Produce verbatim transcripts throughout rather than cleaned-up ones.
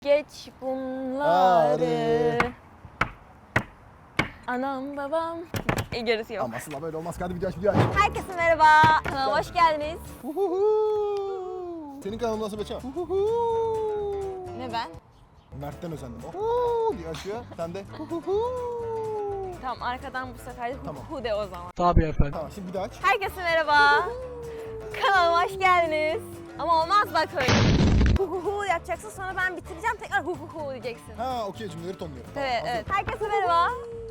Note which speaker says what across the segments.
Speaker 1: Geç bunları. Anam babam. E, gerisi yok.
Speaker 2: Ama aslında böyle olmaz. Hadi video aç, video aç.
Speaker 1: Herkese merhaba. Kanalıma hoş geldiniz.
Speaker 2: Senin kanalın nasıl Beçem?
Speaker 1: Ne ben?
Speaker 2: Mert'ten özendim. Oho diye açıyor. Sen de.
Speaker 1: Tamam, arkadan bu sefer
Speaker 2: Tamam.
Speaker 1: hu de o zaman.
Speaker 3: Tabii efendim.
Speaker 2: Tamam şimdi bir daha aç.
Speaker 1: Herkese merhaba. Kanalıma hoş geldiniz. Ama olmaz bak öyle. Hu hu hu yapacaksın, sonra ben bitireceğim, tekrar hu hu hu diyeceksin.
Speaker 2: Ha okey, cümleleri tonluyorum.
Speaker 1: Evet,
Speaker 2: Tamam,
Speaker 1: evet. Herkese merhaba.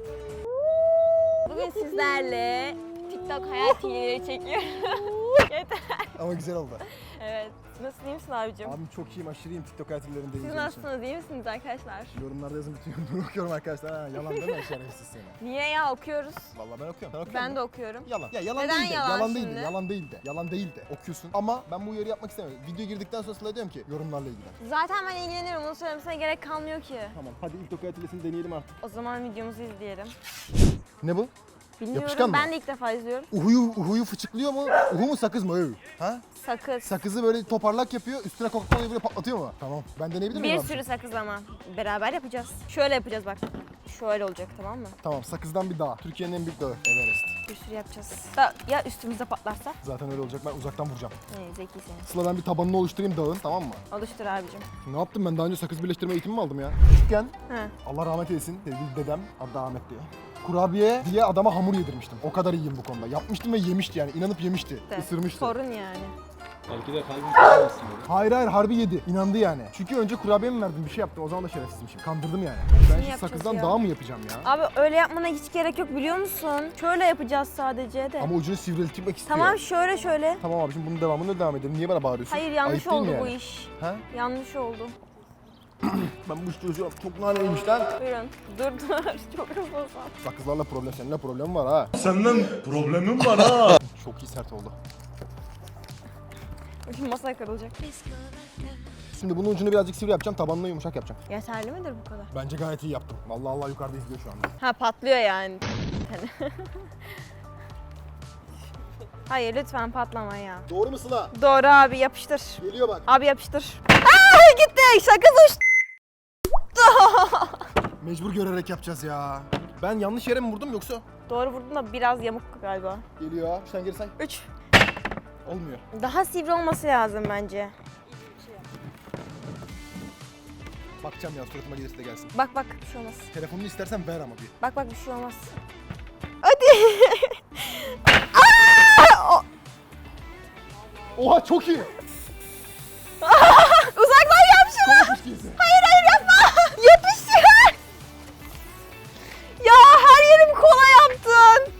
Speaker 1: Bugün sizlerle TikTok hayat hileleri çekiyorum. Yeter.
Speaker 2: Ama güzel oldu.
Speaker 1: Evet. Nasılsın, iyi misin abicim?
Speaker 2: Abim çok iyiyim, aşırı iyiyim TikTok hayatlarında.
Speaker 1: Siz nasılsınız, iyi misiniz arkadaşlar?
Speaker 2: Yorumlarda yazın, bütün yorumları okuyorum arkadaşlar. Ha, yalan deme şerefsiz seni.
Speaker 1: Niye ya, okuyoruz?
Speaker 2: Vallahi ben okuyorum. Sen okuyor
Speaker 1: Ben
Speaker 2: musun?
Speaker 1: de okuyorum.
Speaker 2: Yalan. Ya yalan
Speaker 1: Neden
Speaker 2: değil de,
Speaker 1: yalan
Speaker 2: yalan değil
Speaker 1: şimdi?
Speaker 2: de, yalan değil de, yalan değil de okuyorsun. Ama ben bu uyarı yapmak istemiyorum. Video girdikten sonra Sıla diyorum ki yorumlarla ilgilen.
Speaker 1: Zaten ben ilgileniyorum, bunu söylemesine gerek kalmıyor ki.
Speaker 2: Tamam, hadi ilk TikTok hayatılesini deneyelim artık.
Speaker 1: O zaman videomuzu izleyelim.
Speaker 2: Ne bu?
Speaker 1: Bilmiyorum,
Speaker 2: Yapışkan mı?
Speaker 1: ben de ilk defa izliyorum.
Speaker 2: Uhuyu, uhuyu fıçıklıyor mu? Uhu mu sakız mı? Öv. Ha?
Speaker 1: Sakız.
Speaker 2: Sakızı böyle toparlak yapıyor, üstüne Coca-Cola'yı böyle patlatıyor mu? Tamam, ben deneyebilir miyim
Speaker 1: Bir
Speaker 2: abi?
Speaker 1: sürü sakız ama. Beraber yapacağız. Şöyle yapacağız bak. Şöyle olacak, tamam mı?
Speaker 2: Tamam, sakızdan bir dağ. Türkiye'nin en büyük dağı, Everest.
Speaker 1: Bir sürü yapacağız. Da, ya üstümüzde patlarsa?
Speaker 2: Zaten öyle olacak, ben uzaktan vuracağım.
Speaker 1: Ne zekisin.
Speaker 2: Sıla ben bir tabanını oluşturayım dağın, tamam mı?
Speaker 1: Oluştur abicim.
Speaker 2: Ne yaptım ben? Daha önce sakız birleştirme eğitimi mi aldım ya? Küçükken,
Speaker 1: He.
Speaker 2: Allah rahmet eylesin, sevgili dedem, adı Ahmet diye. Kurabiye diye adama hamur yedirmiştim. O kadar iyiyim bu konuda. Yapmıştım ve yemişti yani, inanıp yemişti.
Speaker 1: De.
Speaker 2: Isırmıştı.
Speaker 1: Sorun yani.
Speaker 3: Belki de kalbim tutamazsın dedi.
Speaker 2: Hayır hayır, harbi yedi. İnandı yani. Çünkü önce kurabiye mi verdim, bir şey yaptım. O zaman da şerefsizmişim. Kandırdım yani. Ben şimdi
Speaker 1: yapacağız
Speaker 2: sakızdan
Speaker 1: ya?
Speaker 2: dağ mı yapacağım ya?
Speaker 1: Abi öyle yapmana hiç gerek yok, biliyor musun? Şöyle yapacağız sadece de.
Speaker 2: Ama ucunu sivriltmek istiyor.
Speaker 1: Tamam, şöyle şöyle.
Speaker 2: Tamam abicim, bunun devamını devam edelim. Niye bana bağırıyorsun?
Speaker 1: Hayır, yanlış
Speaker 2: Ayıp değil
Speaker 1: oldu
Speaker 2: mi
Speaker 1: bu
Speaker 2: yani?
Speaker 1: iş.
Speaker 2: Ha?
Speaker 1: Yanlış oldu.
Speaker 2: Ben bu iş çözüyorum. Çok naneymiş lan.
Speaker 1: Buyurun. Dur dur. Çok hızlı.
Speaker 2: Sakızlarla problem, seninle problem var ha.
Speaker 3: Senden problemim var ha.
Speaker 2: Çok iyi sert oldu.
Speaker 1: Şimdi masa kırılacak.
Speaker 2: Şimdi bunun ucunu birazcık sivri yapacağım, tabanını yumuşak yapacağım.
Speaker 1: Yeterli midir bu kadar?
Speaker 2: Bence gayet iyi yaptım. Vallahi Allah yukarıda izliyor şu anda.
Speaker 1: Ha, patlıyor yani. Hayır, lütfen patlama ya.
Speaker 2: Doğru mu Sıla?
Speaker 1: Doğru abi, yapıştır.
Speaker 2: Geliyor bak.
Speaker 1: Abi yapıştır. Aa, gitti. Sakız uçtu.
Speaker 2: Mecbur görerek yapacağız ya. Ben yanlış yere mi vurdum yoksa?
Speaker 1: Doğru vurdun da biraz yamuk galiba.
Speaker 2: Geliyor. Sen geri say.
Speaker 1: Üç.
Speaker 2: Olmuyor.
Speaker 1: Daha sivri olması lazım bence.
Speaker 2: Bakacağım ya, suratıma gelirse de gelsin.
Speaker 1: Bak bak, bir şey olmaz.
Speaker 2: Telefonunu istersen ver ama bir.
Speaker 1: Bak bak, bir şey olmaz. Hadi. Aa! O-
Speaker 2: Oha çok iyi.
Speaker 1: Uzaktan yap şunu.
Speaker 2: Konuşmuş değilsin.
Speaker 1: Hayır hayır, yapma. Yapıştır. Ya her yerim kola yaptın.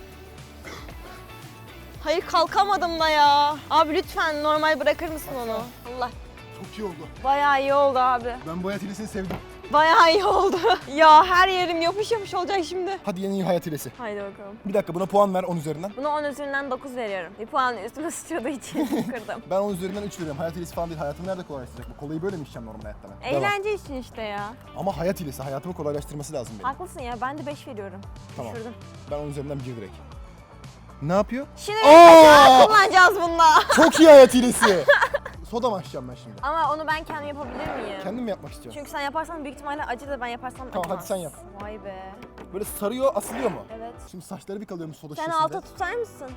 Speaker 1: Hayır, kalkamadım da ya. Abi lütfen normal bırakır mısın onu? Allah.
Speaker 2: Çok iyi oldu.
Speaker 1: Bayağı iyi oldu abi.
Speaker 2: Ben bu hayat hilesini sevdim.
Speaker 1: Bayağı iyi oldu. Ya her yerim yapış yapış olacak şimdi.
Speaker 2: Hadi yeni hayat hilesi.
Speaker 1: Haydi bakalım.
Speaker 2: Bir dakika, buna puan ver on üzerinden.
Speaker 1: Buna on üzerinden dokuz veriyorum. Bir puan üstüme sıçradığı için kırdım.
Speaker 2: Ben on üzerinden üç veriyorum. Hayat hilesi falan değil. Hayatımı nerede kolaylaştıracak? Bu kolayı böyle mi içeceğim normal hayatta ben? Devam.
Speaker 1: Eğlence için işte ya.
Speaker 2: Ama hayat hilesi. Hayatımı kolaylaştırması lazım benim.
Speaker 1: Haklısın ya, ben de beş veriyorum.
Speaker 2: Tamam.
Speaker 1: Düşürdüm.
Speaker 2: Ben on üzerinden bir direkt. Ne yapıyor?
Speaker 1: Şimdi
Speaker 2: Aa!
Speaker 1: kullanacağız bununla.
Speaker 2: Çok iyi hayat hilesi. Soda mı açacağım ben şimdi?
Speaker 1: Ama onu ben kendim yapabilir miyim?
Speaker 2: Kendim mi yapmak istiyorum?
Speaker 1: Çünkü sen yaparsan büyük ihtimalle acı da ben yaparsam
Speaker 2: Tamam,
Speaker 1: acımaz.
Speaker 2: hadi sen yap.
Speaker 1: Vay be.
Speaker 2: Böyle sarıyor, asılıyor mu?
Speaker 1: Evet.
Speaker 2: Şimdi saçları bir kalıyormuş soda
Speaker 1: Sen
Speaker 2: şişesinde.
Speaker 1: alta tutar mısın?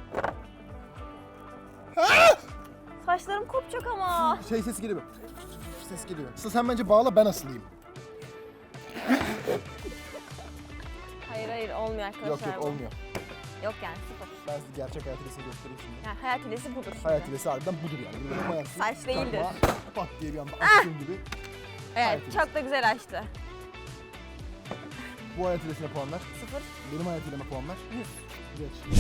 Speaker 1: Saçlarım kopacak ama.
Speaker 2: Şey ses geliyor. Ses geliyor. Sıla sen bence bağla, ben asılayım.
Speaker 1: Hayır hayır, olmuyor arkadaşlar.
Speaker 2: Yok yok
Speaker 1: bu.
Speaker 2: olmuyor.
Speaker 1: Yok yani, sıfır.
Speaker 2: Ben size gerçek hayat hilesini göstereyim şimdi.
Speaker 1: Yani hayat hilesi budur. şimdi.
Speaker 2: Hayat hilesi harbiden budur yani. Böyle koyarsın.
Speaker 1: Saç değildir.
Speaker 2: çakmağa, Pat diye bir anda açtığın gibi.
Speaker 1: Evet,
Speaker 2: hayat hilesi.
Speaker 1: çok da güzel açtı.
Speaker 2: Bu hayat hilesine puanlar.
Speaker 1: Sıfır.
Speaker 2: Benim hayat hileme puanlar.
Speaker 1: Yüz.
Speaker 2: Geç.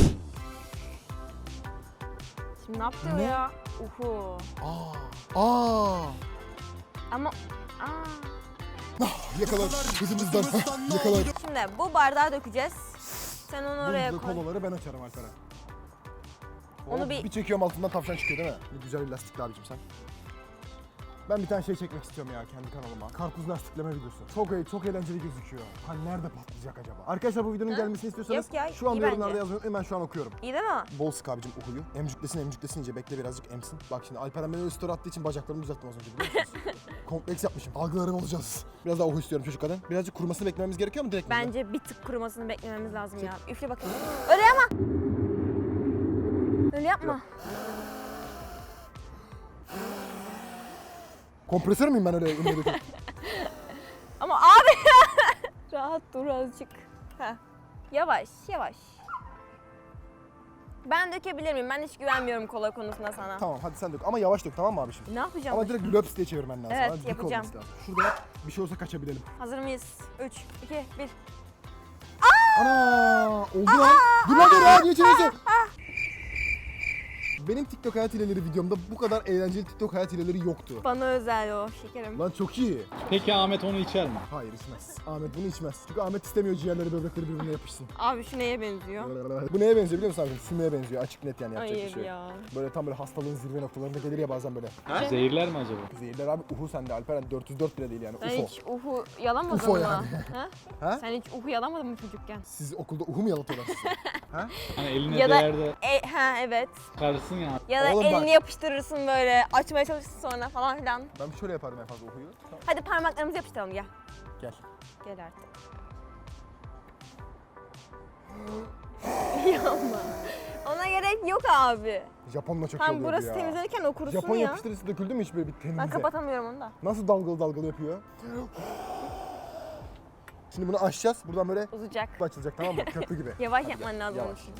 Speaker 1: Şimdi ne yaptı o
Speaker 2: Ne?
Speaker 1: ya? Uhu.
Speaker 2: Aa. Aa.
Speaker 1: Ama... Aa.
Speaker 2: Yakalar. Kızımızdan. Yakalar.
Speaker 1: Şimdi bu bardağı dökeceğiz. Sen onu oraya
Speaker 2: Bu
Speaker 1: koy.
Speaker 2: kolaları ben açarım Alperen.
Speaker 1: Onu
Speaker 2: Oh,
Speaker 1: bir-
Speaker 2: bir çekiyorum altından tavşan çıkıyor değil mi? Ne güzel bir lastikli abicim sen. Ben bir tane şey çekmek istiyorum ya kendi kanalıma. Karpuz lastikleme videosu. Çok iyi, çok eğlenceli gözüküyor. Hani nerede patlayacak acaba? Arkadaşlar bu videonun
Speaker 1: Ha?
Speaker 2: gelmesini istiyorsanız
Speaker 1: Yok ya,
Speaker 2: şu anda
Speaker 1: iyi
Speaker 2: yorumlarda
Speaker 1: bence.
Speaker 2: yazın, hemen şu an okuyorum.
Speaker 1: İyi değil mi?
Speaker 2: Bol sık abicim uhuyu. Emcüklesin emcüklesin iyice, bekle birazcık emsin. Bak şimdi Alperen beni öyle story attığı için bacaklarımı düzelttim az önce, biliyor musunuz? kompleks yapmışım. Algılarım olacağız. Biraz daha uhu istiyorum çocuk kadın. Birazcık kurumasını beklememiz gerekiyor mu direkt mi?
Speaker 1: Bence bir tık kurumasını beklememiz lazım ya. Üfle bakayım. Öyle yapma. Öyle yapma.
Speaker 2: Kompresör müyüm ben öyle ünlü döküp?
Speaker 1: Ama abi rahat dur azıcık. Heh. Yavaş yavaş. Ben dökebilir miyim? Ben hiç güvenmiyorum kola konusunda sana.
Speaker 2: Tamam hadi sen dök ama yavaş dök tamam mı abi şimdi?
Speaker 1: Ne yapacağım?
Speaker 2: Ama direkt löps diye çevirmen lazım.
Speaker 1: Evet,
Speaker 2: Hadi dik
Speaker 1: yapacağım.
Speaker 2: olması lazım. Şurada yap, bir şey olsa kaçabilelim.
Speaker 1: Hazır mıyız? üç, iki, bir.
Speaker 2: Ana oldu lan. Dur lan dur lan niye çeviriyorsun? Benim TikTok hayat hileleri videomda bu kadar eğlenceli TikTok hayat hileleri yoktu.
Speaker 1: Bana özel o şekerim.
Speaker 2: Lan çok iyi.
Speaker 3: Peki Ahmet onu içer mi?
Speaker 2: Hayır içmez. Ahmet bunu içmez. Çünkü Ahmet istemiyor ciğerleri böbrekleri birbirine yapışsın.
Speaker 1: Abi şu neye benziyor?
Speaker 2: Bu neye benziyor biliyor musun abi? Sümüğe benziyor. Açık net yani yapacak bir
Speaker 1: Hayır
Speaker 2: şey yok.
Speaker 1: ya.
Speaker 2: Böyle tam böyle hastalığın zirve noktalarında gelir ya bazen böyle.
Speaker 3: Zehirler mi acaba?
Speaker 2: Zehirler abi uhu sende Alperen dört yüz dört bile değil yani
Speaker 1: Sen
Speaker 2: ufo.
Speaker 1: hiç uhu yalamadın
Speaker 2: Ufo
Speaker 1: mı?
Speaker 2: yani.
Speaker 1: Ha?
Speaker 2: Ha?
Speaker 1: Sen hiç uhu yalamadın mı çocukken?
Speaker 2: Siz okulda uhu mu yalatıyorlar sizi? Ha?
Speaker 3: Hani eline
Speaker 1: Ya da
Speaker 3: değer de
Speaker 1: e, ha evet.
Speaker 3: çıkarsın ya.
Speaker 1: Ya da
Speaker 2: Oğlum bak-
Speaker 1: elini yapıştırırsın böyle açmaya çalışırsın sonra falan filan.
Speaker 2: Ben bir şöyle yaparım en fazla uhuyu. Tamam.
Speaker 1: Hadi parmaklarımızı yapıştıralım gel.
Speaker 2: Gel.
Speaker 1: Gel artık. Yapma. Ona gerek yok abi.
Speaker 2: Japonla çok iyi
Speaker 1: Tam
Speaker 2: oluyordu
Speaker 1: burası
Speaker 2: ya.
Speaker 1: temizlenirken o kurusun
Speaker 2: Japon
Speaker 1: ya.
Speaker 2: yapıştırıcısı döküldü mü hiç böyle bir temizle?
Speaker 1: Ben kapatamıyorum onu da.
Speaker 2: Nasıl dalgalı dalgalı yapıyor? Şimdi bunu açacağız. Buradan böyle
Speaker 1: Uzayacak.
Speaker 2: açılacak tamam mı? Köprü gibi.
Speaker 1: Yavaş
Speaker 2: Hadi
Speaker 1: yapman
Speaker 2: gel,
Speaker 1: lazım onun
Speaker 2: yavaş.
Speaker 1: için.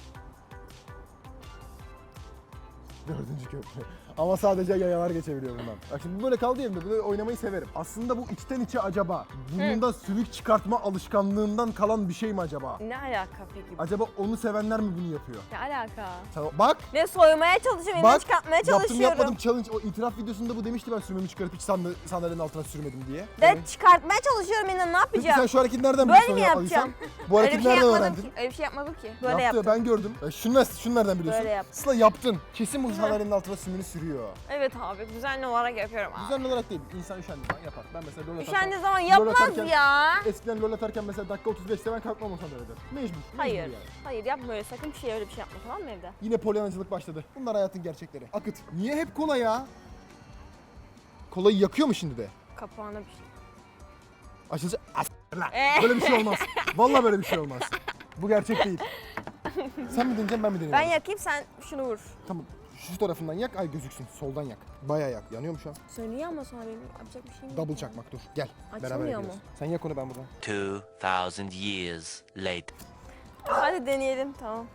Speaker 2: Dördüncü köprü. Ama sadece yayalar geçebiliyor bundan. Bak şimdi bu böyle kaldı yerimde. Böyle oynamayı severim. Aslında bu içten içe acaba burnunda sümük çıkartma alışkanlığından kalan bir şey mi acaba?
Speaker 1: Ne alaka peki?
Speaker 2: Acaba onu sevenler mi bunu yapıyor?
Speaker 1: Ne alaka?
Speaker 2: Sen, bak!
Speaker 1: Ne soymaya çalışıyorum, elini
Speaker 2: Bak!
Speaker 1: çıkartmaya
Speaker 2: Yaptım
Speaker 1: çalışıyorum.
Speaker 2: yapmadım challenge. O itiraf videosunda bu demişti ben sümüğümü çıkarıp hiç sandal- sandalyenin altına sürmedim diye.
Speaker 1: De çıkartmaya çalışıyorum elini, ne
Speaker 2: Peki
Speaker 1: yapacağım?
Speaker 2: sen şu hareketi nereden
Speaker 1: Böyle
Speaker 2: biliyorsun
Speaker 1: mi
Speaker 2: ya
Speaker 1: yapacağım?
Speaker 2: Alişan? Bu
Speaker 1: Öyle
Speaker 2: hareketi
Speaker 1: bir şey
Speaker 2: nereden
Speaker 1: yapmadım
Speaker 2: öğrendin?
Speaker 1: ki. Öyle bir şey yapmadım ki. Böyle
Speaker 2: Yaptı,
Speaker 1: yaptım.
Speaker 2: ben gördüm. Ya şunu, şunu nereden biliyorsun?
Speaker 1: Böyle yaptım.
Speaker 2: Sıla yaptın. Kesin bu sandalyenin altına sümüğünü sürüyor.
Speaker 1: Evet abi, düzenli olarak yapıyorum abi.
Speaker 2: Düzenli olarak değil. İnsan üşendiği zaman yapar. Ben mesela lol atarken...
Speaker 1: Üşendiği zaman
Speaker 2: lol
Speaker 1: yapmaz
Speaker 2: atarken-
Speaker 1: ya.
Speaker 2: Eskiden lol atarken mesela dakika otuz beşte ben kalkmam o sandalyeden. Mecbur. mecbur
Speaker 1: Hayır.
Speaker 2: Yani.
Speaker 1: Hayır yapma öyle, sakın bir şey öyle bir şey yapma, tamam mı evde?
Speaker 2: Yine polyanacılık başladı. Bunlar hayatın gerçekleri. Akıt. Niye hep kola ya? Kolayı yakıyor mu şimdi de?
Speaker 1: Kapağına bir şey.
Speaker 2: Açılacak. As lan.
Speaker 1: Ee?
Speaker 2: Böyle bir şey olmaz. Vallahi böyle bir şey olmaz. Bu gerçek değil. Sen mi deneyeceksin ben mi deneyeyim?
Speaker 1: Ben yakayım, sen şunu vur.
Speaker 2: Tamam. Şu tarafından yak, ay gözüksün. Soldan yak. Bayağı yak. Yanıyor mu şu an?
Speaker 1: Söylüyor ama sonra benim yapacak bir şeyim yok.
Speaker 2: Double çakmak dur. Gel. Beraber
Speaker 1: Açılmıyor
Speaker 2: yapıyoruz.
Speaker 1: mu?
Speaker 2: Sen yak onu ben buradan.
Speaker 4: Two thousand years later.
Speaker 1: Hadi deneyelim, tamam.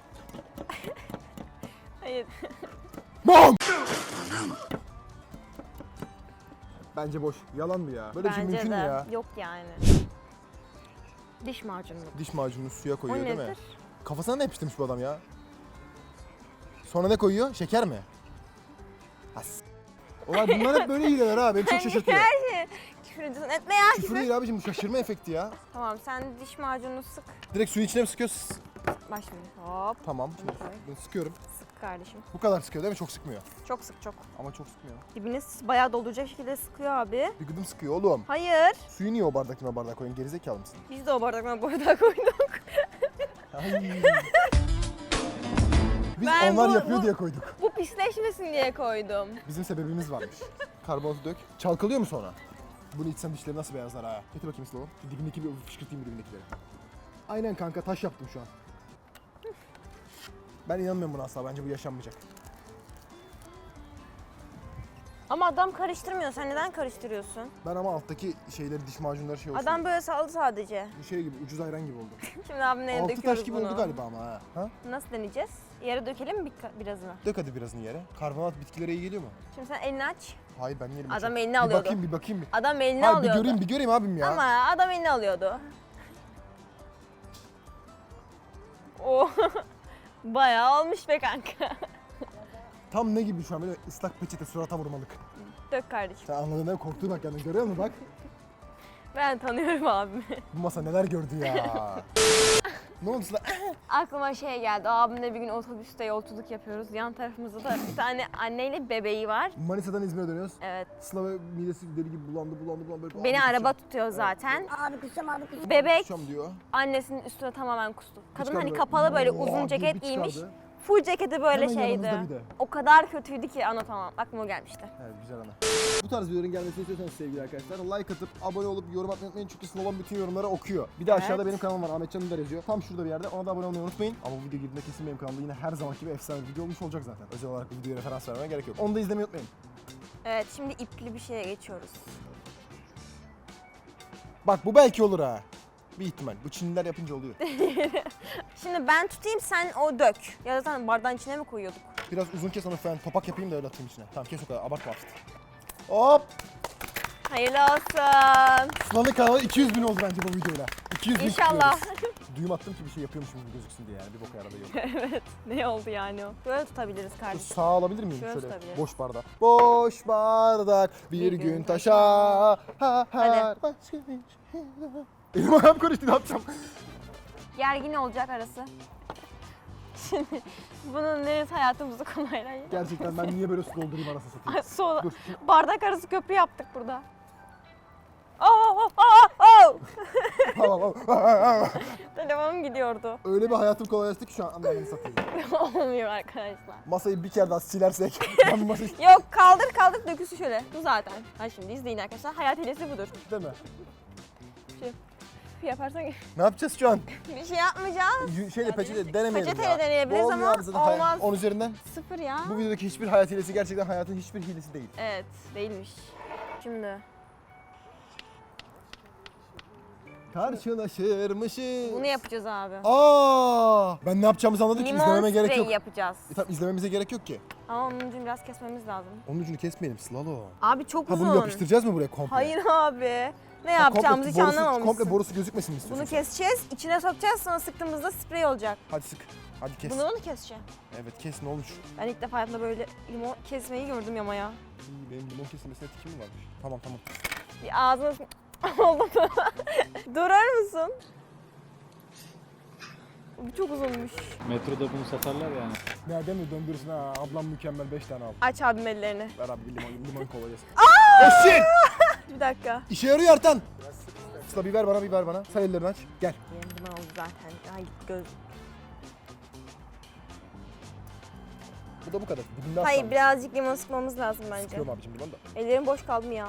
Speaker 1: Hayır.
Speaker 2: Bam! Bence boş. Yalan mı ya? Böyle bir şey
Speaker 1: Bence
Speaker 2: mümkün
Speaker 1: de.
Speaker 2: mü ya?
Speaker 1: Yok yani. Diş macunu.
Speaker 2: Diş macununu suya
Speaker 1: O
Speaker 2: koyuyor değil mi?
Speaker 1: nedir?
Speaker 2: Kafasına ne yapıştırmış bu adam ya? Sonra ne koyuyor? Şeker mi? Has. Ulan bunlar hep böyle hileler ha. Beni çok şaşırtıyor.
Speaker 1: Her şey. Küfür ediyorsun. Etme ya
Speaker 2: Küfür
Speaker 1: küfür.
Speaker 2: değil abicim bu şaşırma efekti ya.
Speaker 1: Tamam, sen diş macununu sık.
Speaker 2: Direkt suyu içine mi sıkıyoruz?
Speaker 1: Bak şimdi. Hop.
Speaker 2: Tamam. Şimdi
Speaker 1: Koy.
Speaker 2: bunu sıkıyorum.
Speaker 1: Sık kardeşim.
Speaker 2: Bu kadar sıkıyor değil mi? Çok sıkmıyor.
Speaker 1: Çok sık, çok.
Speaker 2: Ama çok sıkmıyor.
Speaker 1: Dibine bayağı dolduracak şekilde sıkıyor abi.
Speaker 2: Bir gıdım sıkıyor oğlum.
Speaker 1: Hayır.
Speaker 2: Suyu niye o bardaktan o bardağa koyun? Gerizekalı mısın?
Speaker 1: Biz de o bardaktan bardağa koyduk.
Speaker 2: Ay. Biz
Speaker 1: Ben
Speaker 2: onlar
Speaker 1: bu-
Speaker 2: yapıyor
Speaker 1: bu-
Speaker 2: diye koyduk.
Speaker 1: Bu pisleşmesin diye koydum.
Speaker 2: Bizim sebebimiz varmış. Karbonatı dök. Çalkalıyor mu sonra? Bunu içsem dişleri nasıl beyazlar ha? Getir bakayım Sıla. Şu dibindeki bir fışkırtayım dibindekileri. Aynen kanka taş yaptım şu an. Ben inanmıyorum buna asla. Bence bu yaşanmayacak.
Speaker 1: Ama adam karıştırmıyor. Sen neden karıştırıyorsun?
Speaker 2: Ben ama alttaki şeyleri, diş macunları şey olsun.
Speaker 1: Adam böyle saldı sadece.
Speaker 2: Bu şey gibi, ucuz ayran gibi oldu.
Speaker 1: Şimdi abinin eline
Speaker 2: Altı taş
Speaker 1: döküyoruz
Speaker 2: gibi
Speaker 1: bunu.
Speaker 2: oldu galiba ama ha. ha?
Speaker 1: Nasıl deneyeceğiz? Yere dökelim mi bir- birazını?
Speaker 2: Dök hadi birazını yere. Karbonat bitkilere iyi geliyor mu?
Speaker 1: Şimdi sen elini aç.
Speaker 2: Hayır ben yerim.
Speaker 1: Adam
Speaker 2: çok.
Speaker 1: elini
Speaker 2: Bir
Speaker 1: alıyordu.
Speaker 2: bakayım bir bakayım bir.
Speaker 1: Adam elini
Speaker 2: Hayır bir
Speaker 1: alıyordu.
Speaker 2: göreyim bir göreyim abim ya.
Speaker 1: Ama adam elini alıyordu. O bayağı olmuş be kanka.
Speaker 2: Tam ne gibi şu an böyle ıslak peçete surata vurmalık.
Speaker 1: Dök kardeşim.
Speaker 2: Sen anladın değil mi? Korktuğuna bak yani görüyor musun bak.
Speaker 1: Ben tanıyorum abimi.
Speaker 2: Bu masa neler gördü ya. Ne oldu Sıla?
Speaker 1: Aklıma şey geldi. Abimle bir gün otobüste yolculuk yapıyoruz. Yan tarafımızda da bir tane anneyle bebeği var.
Speaker 2: Manisa'dan İzmir'e dönüyoruz.
Speaker 1: Evet.
Speaker 2: Sıla ve midesi deli gibi bulandı bulandı bulandı. Böyle,
Speaker 1: Beni
Speaker 2: "Abi
Speaker 1: araba
Speaker 2: kusacağım,
Speaker 1: tutuyor zaten.
Speaker 5: Abi kusacağım abi kusacağım.
Speaker 1: Bebek
Speaker 2: kusacağım" diyor.
Speaker 1: annesinin üstüne tamamen kustu. Kadın
Speaker 2: Çıkardı
Speaker 1: hani
Speaker 2: böyle,
Speaker 1: kapalı böyle
Speaker 2: "Oo"
Speaker 1: uzun
Speaker 2: diye
Speaker 1: ceket
Speaker 2: bir
Speaker 1: giymiş.
Speaker 2: çıkardı.
Speaker 1: Full ceketi böyle
Speaker 2: Hemen
Speaker 1: şeydi.
Speaker 2: yanımızda bir de.
Speaker 1: O kadar kötüydü ki anlatamam. Aklıma o gelmişti.
Speaker 2: Evet güzel ana. Bu tarz videoların gelmesini istiyorsanız sevgili arkadaşlar like atıp abone olup yorum atmayı unutmayın çünkü Slalom bütün yorumları okuyor. Bir de
Speaker 1: Evet.
Speaker 2: aşağıda benim kanalım var Ahmet Can Ünder yazıyor. Tam şurada bir yerde ona da abone olmayı unutmayın. Ama bu video girdiğinde kesin benim kanalımda yine her zamanki gibi efsane bir video olmuş olacak zaten. Özel olarak bu videoya referans vermeye gerek yok. Onu da izlemeyi unutmayın.
Speaker 1: Evet şimdi ipli bir şeye geçiyoruz.
Speaker 2: Bak bu belki olur ha. Bir ihtimal. Bu Çinliler yapınca oluyor.
Speaker 1: Şimdi ben tutayım sen o dök. Ya zaten bardağın içine mi koyuyorduk?
Speaker 2: Biraz uzun kes onu falan topak yapayım da öyle atayım içine. Tamam kes o kadar abartma artık. Hop!
Speaker 1: Hayırlı olsun.
Speaker 2: Sıla'nın kanalı iki yüz bin oldu bence bu videoyla. iki yüz bin
Speaker 1: İnşallah.
Speaker 2: kutluyoruz. Düğüm attım ki bir şey yapıyormuşum gibi gözüksün diye yani bir boka yaradı yok.
Speaker 1: Evet. Ne oldu yani o? Böyle tutabiliriz kardeşim.
Speaker 2: Sağ alabilir miyim
Speaker 1: Şöyle
Speaker 2: şöyle?
Speaker 1: tutabiliriz.
Speaker 2: Boş bardak. Boş bardak bir,
Speaker 1: Bir
Speaker 2: gün,
Speaker 1: gün
Speaker 2: taşa. Ha,
Speaker 1: Hadi.
Speaker 2: başka bir şey. Elim ayağım karıştı ne yapacağım?
Speaker 1: Gergin olacak arası. Şimdi bunun neresi hayatımızı kolaylaştırıyor?
Speaker 2: Gerçekten ben niye böyle su doldurayım arası satayım?
Speaker 1: Ay, Sola.
Speaker 2: Dur.
Speaker 1: Bardak arası köprü yaptık burada. Oh, oh, oh, oh.
Speaker 2: Tamam, tamam.
Speaker 1: Telefonum gidiyordu.
Speaker 2: Öyle bir hayatım kolaylaştı ki şu an anlamını satayım.
Speaker 1: Olmuyor arkadaşlar.
Speaker 2: Masayı bir kere daha silersek ben bu masayı
Speaker 1: Yok kaldır kaldır dökülsün şöyle. Bu zaten. Ha şimdi izleyin arkadaşlar. Hayat hilesi budur.
Speaker 2: değil mi?
Speaker 1: Yaparsan
Speaker 2: Ne yapacağız şu an?
Speaker 1: bir şey yapmayacağız.
Speaker 2: Y- Şeyle peçete denemeyelim
Speaker 1: Peçeteyle
Speaker 2: ya.
Speaker 1: deneyebiliriz
Speaker 2: Bu olmuyor
Speaker 1: ama
Speaker 2: abi zaten hayat-
Speaker 1: olmaz.
Speaker 2: on üzerinden.
Speaker 1: Sıfır ya.
Speaker 2: Bu videodaki hiçbir hayat hilesi gerçekten hayatın hiçbir hilesi değil.
Speaker 1: Evet değilmiş. Şimdi
Speaker 2: Karşılaşırmışız.
Speaker 1: bunu yapacağız abi.
Speaker 2: Aa! Ben ne yapacağımızı anladım ki
Speaker 1: Limon
Speaker 2: izlememe gerek
Speaker 1: spreyi
Speaker 2: yok.
Speaker 1: yapacağız.
Speaker 2: E tamam izlememize gerek yok ki.
Speaker 1: Ama onun ucunu biraz kesmemiz lazım.
Speaker 2: Onun ucunu kesmeyelim slalom.
Speaker 1: Abi çok
Speaker 2: Ha
Speaker 1: uzun.
Speaker 2: bunu yapıştıracağız mı buraya komple?
Speaker 1: Hayır abi. Ne
Speaker 2: Ha,
Speaker 1: yapacağımızı hiç
Speaker 2: komple borusu-
Speaker 1: anlamamışsın.
Speaker 2: Komple borusu gözükmesin mi
Speaker 1: Bunu
Speaker 2: istiyorsun?
Speaker 1: keseceğiz, içine sokacağız, sonra sıktığımızda sprey olacak.
Speaker 2: Hadi sık. Hadi kes.
Speaker 1: Bunu mu keseceğim?
Speaker 2: Evet kes ne olur.
Speaker 1: Ben ilk defa hayatımda böyle limon kesmeyi gördüm Yama'ya.
Speaker 2: İyi, benim limon kesilmesine tikim mi varmış? Tamam tamam.
Speaker 1: Bir ağzına oldu mu? Durar mısın? Bu çok uzunmuş.
Speaker 3: Metroda bunu satarlar yani.
Speaker 2: Nereden mi döndürsün ha? Ablam mükemmel beş tane aldı.
Speaker 1: Aç abim ellerini.
Speaker 2: Ver abi bir limon, limon kola yesin. Oh shit!
Speaker 1: Bir dakika.
Speaker 2: İşe yarıyor Artan. Sıla bir ver bana bir ver bana. Sen ellerini aç. Gel.
Speaker 1: Benim bunu oldu zaten. Ay gitti göz.
Speaker 2: Bu da bu kadar. Dibinde
Speaker 1: Hayır
Speaker 2: aslan.
Speaker 1: birazcık limon sıkmamız lazım bence.
Speaker 2: Sıkıyorum abicim limon da.
Speaker 1: Ellerim boş kaldı mı ya?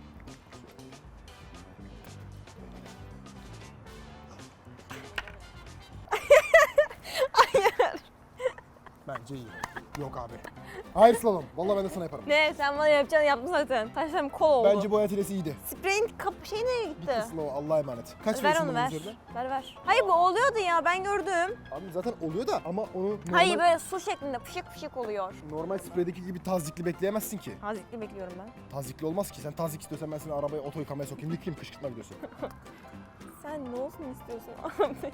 Speaker 2: Bence iyi. Yok abi. Hayır slalom. Vallahi ben de sana yaparım.
Speaker 1: Ne sen bana yapacağını yaptın zaten. Taşlarım kol oldu.
Speaker 2: Bence bu hayat hilesi iyiydi.
Speaker 1: Spreyin kap şey nereye gitti?
Speaker 2: Gitti slow Allah'a emanet. Kaç
Speaker 1: ver
Speaker 2: veriyorsun
Speaker 1: onu
Speaker 2: bunun
Speaker 1: ver.
Speaker 2: üzerine?
Speaker 1: Ver ver. Hayır bu oluyordu ya ben gördüm.
Speaker 2: Abi zaten oluyor da ama onu normal,
Speaker 1: Hayır böyle su şeklinde fışık fışık oluyor.
Speaker 2: normal spreydeki gibi tazikli bekleyemezsin ki.
Speaker 1: Hazikli bekliyorum ben.
Speaker 2: Tazikli olmaz ki. Sen tazik istiyorsan ben seni arabaya oto yıkamaya sokayım. Yıkayayım kışkırtma gidiyorsun.
Speaker 1: Sen ne olsun istiyorsun abi?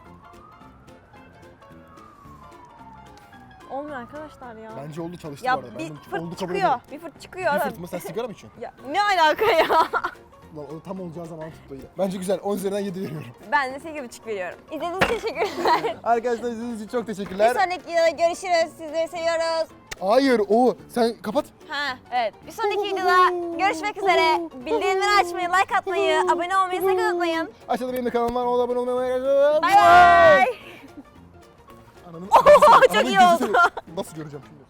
Speaker 1: Olmuyor arkadaşlar ya.
Speaker 2: Bence oldu çalıştı
Speaker 1: ya
Speaker 2: bu arada.
Speaker 1: bir
Speaker 2: Ben bunu
Speaker 1: fırt
Speaker 2: oldu kabul
Speaker 1: çıkıyor.
Speaker 2: ediyorum.
Speaker 1: Bir fırt çıkıyor.
Speaker 2: Bir
Speaker 1: adam.
Speaker 2: fırt mı? Sen sigara mı içiyorsun?
Speaker 1: Ya ne alaka ya?
Speaker 2: Lan o tam olacağı zaman tuttu yine. Bence güzel. on üzerinden yedi veriyorum.
Speaker 1: Ben de sekiz buçuk veriyorum. İzlediğiniz için teşekkürler.
Speaker 2: Arkadaşlar izlediğiniz için çok
Speaker 1: Bir
Speaker 2: teşekkürler.
Speaker 1: sonraki videoda görüşürüz. Sizleri seviyoruz.
Speaker 2: Hayır o. Sen kapat.
Speaker 1: Ha evet. Bir sonraki videoda görüşmek üzere. Bildirimleri açmayı, like atmayı, abone olmayı sakın unutmayın.
Speaker 2: Aşağıda benim de kanalım var. Ona abone olmayı unutmayın.
Speaker 1: Bay bay.
Speaker 2: Ananın,
Speaker 1: Çok
Speaker 2: Ananın
Speaker 1: iyi
Speaker 2: gözü
Speaker 1: oldu.
Speaker 2: seviyor. Nasıl göreceğim şimdi?